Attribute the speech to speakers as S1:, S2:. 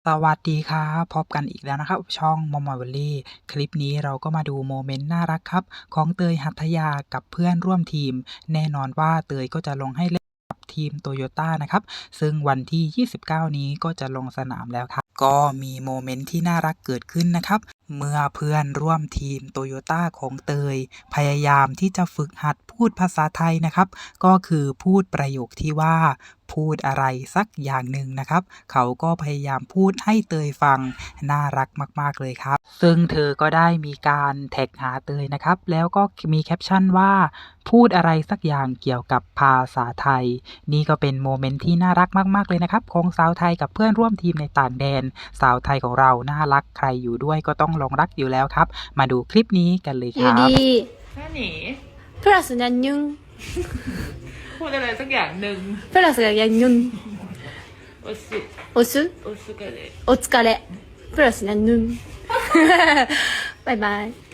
S1: สวัสดีครับพบกันอีกแล้วนะครับช่องมอมอยวิลลี่คลิปนี้เราก็มาดูโมเมนต์น่ารักครับของเตยหัทยากับเพื่อนร่วมทีมแน่นอนว่าเตยก็จะลงให้เล่นกับทีมโตโยต้านะครับซึ่งวันที่ 29 นี้ก็จะลงสนามแล้วครับก็มีโมเมนต์ที่น่ารักเกิดขึ้นนะครับเมื่อเพื่อนร่วมทีมโตโยต้าของเตยพยายามที่จะฝึกหัดพูดภาษาไทยนะครับก็คือพูดประโยคที่ว่าพูดอะไรสักอย่างหนึ่งนะครับเขาก็พยายามพูดให้เตยฟังน่ารักมากๆเลยครับซึ่งเธอก็ได้มีการแท็กหาเตยนะครับแล้วก็มีแคปชั่นว่าพูดอะไรสักอย่างเกี่ยวกับภาษาไทยนี่ก็เป็นโมเมนต์ที่น่ารักมากๆเลยนะครับของสาวไทยกับเพื่อนร่วมทีมในต่างแดนสาวไทยของเราน่ารักใครอยู่ด้วยก็ต้องหลงรักอยู่แล้วครับมาดูคลิปนี้กันเลยครับ
S2: 유리
S3: แค่หนี
S2: 플러스 냥뇽
S3: พูดอะไรสักอย่างหนึ่ง
S2: 플러스가 냥뇽
S3: โอสุ
S2: 오수
S3: โอสุกันเลย
S2: 오츠카레 플러스 냥뇽 바이바이